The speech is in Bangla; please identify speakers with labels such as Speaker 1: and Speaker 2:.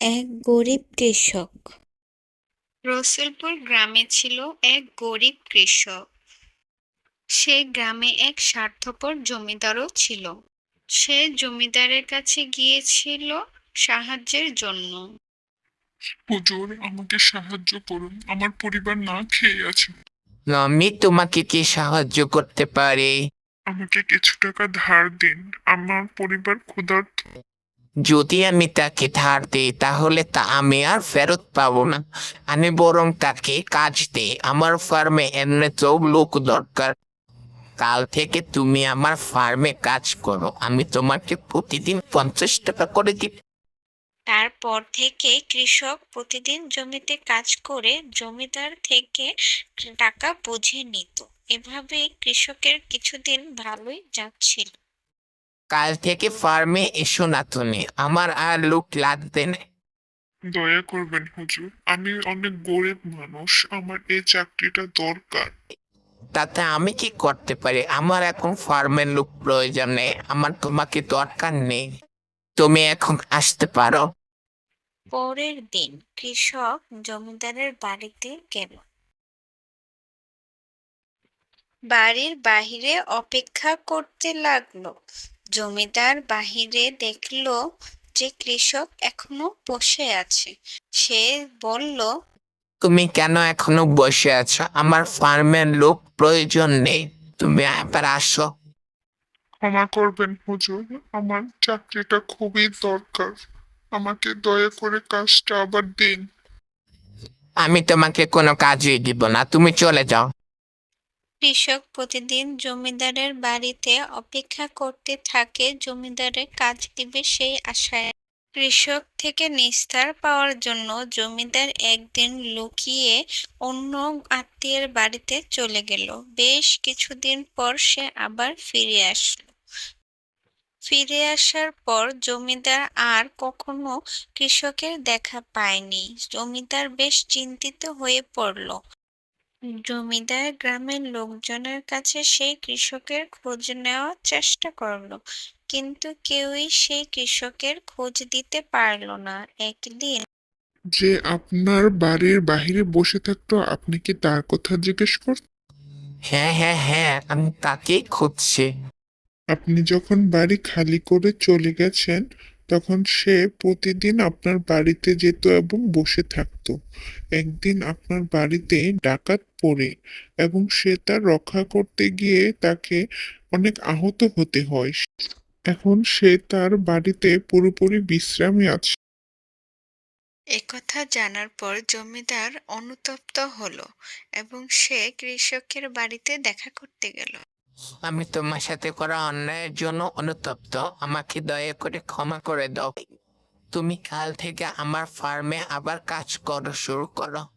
Speaker 1: এক গরিব কৃষক।
Speaker 2: রসুলপুর গ্রামে ছিল এক গরিব কৃষক। সে গ্রামে এক স্বার্থপর জমিদারও ছিল। সে জমিদারের কাছে গিয়েছিল সাহায্যের জন্য।
Speaker 3: হুজুর, আমাকে সাহায্য করুন, আমার পরিবার না খেয়ে আছে।
Speaker 4: আমি তোমাকে কি সাহায্য করতে পারি?
Speaker 3: আমাকে কিছু টাকা ধার দিন, আমার পরিবার ক্ষুধার্ত।
Speaker 4: যদি আমি তাকে ধার দিই তাহলে তা আমি আর ফেরত পাবো না। আমি বরং তাকে কাজ দিই। আমার ফার্মে এমনিতেও লোক দরকার। কাল থেকে তুমি আমার ফার্মে কাজ করো, আমি তোমাকে প্রতিদিন 50 টাকা করে দিব।
Speaker 1: তারপর থেকে কৃষক প্রতিদিন জমিতে কাজ করে জমিদার থেকে টাকা বুঝে নিত। এভাবে কৃষকের কিছুদিন ভালোই যাচ্ছিল।
Speaker 4: কাল থেকে ফার্মে এসো না তুমি, আমার আর লোক লাগবে না।
Speaker 3: দয়া করবেন হুজুর, আমি অনেক গরিব মানুষ, আমার এই চাকরিটা দরকার।
Speaker 4: তাতে আমি কি করতে পারি? আমার এখন ফার্মের লোক প্রয়োজন নেই, আমার তোমাকে দরকার নেই। তুমি এখন আসতে পারো।
Speaker 1: পরের দিন কৃষক জমিদারের বাড়িতে গেল। বাড়ির বাহিরে অপেক্ষা করতে লাগলো। জমিদার বাহিরে দেখলো যে কৃষক এখনো বসে আছে। সে বলল,
Speaker 4: তুমি কেন এখনো বসে আছো? আমার ফার্মের লোক প্রয়োজন নেই, তুমি এবার আসো।
Speaker 3: ক্ষমা করবেন হুজুর, আমার চাকরিটা খুবই দরকার, আমাকে দয়া করে কাজটা আবার দিন।
Speaker 4: আমি তোমাকে কোনো কাজই দিব না, তুমি চলে যাও।
Speaker 1: কৃষক প্রতিদিন জমিদারের বাড়িতে অপেক্ষা করতে থাকে জমিদারের কাজ দিবে সেই আশায়। কৃষক থেকে নিস্তার পাওয়ার জন্য জমিদার একদিন লুকিয়ে অন্য আত্মীয়ের বাড়িতে চলে গেল। বেশ কিছুদিন পর সে আবার ফিরে আসলো। ফিরে আসার পর জমিদার আর কখনো কৃষকের দেখা পায়নি। জমিদার বেশ চিন্তিত হয়ে পড়ল। জমিদার গ্রামের লোকজনের কাছে সেই কৃষকের খোঁজ নেওয়ার চেষ্টা করলো, কিন্তু কেউই সেই কৃষকের খোঁজ দিতে পারলো না। একদিন
Speaker 3: যে আপনার বাড়ির বাহিরে বসে থাকতো, আপনি কি তার কথা জিজ্ঞেস করছেন?
Speaker 4: হ্যাঁ হ্যাঁ হ্যাঁ, আমি তাকেই খুঁজছি।
Speaker 3: আপনি যখন বাড়ি খালি করে চলে গেছেন, তখন সে প্রতিদিন আপনার বাড়িতে যেত এবং বসে থাকতো। একদিন আপনার বাড়িতে ডাকাত পড়ে এবং সে তার রক্ষা করতে গিয়ে তাকে অনেক আহত হতে হয়। এখন সে তার বাড়িতে পুরোপুরি বিশ্রামে আছে।
Speaker 1: একথা জানার পর জমিদার অনুতপ্ত হলো এবং সে কৃষকের বাড়িতে দেখা করতে গেল।
Speaker 4: আমি তোমার সাথে করা অন্যায়ের জন্য অনুতপ্ত, আমাকে দয়া করে ক্ষমা করে দাও। তুমি কাল থেকে আমার ফার্মে আবার কাজ শুরু করো।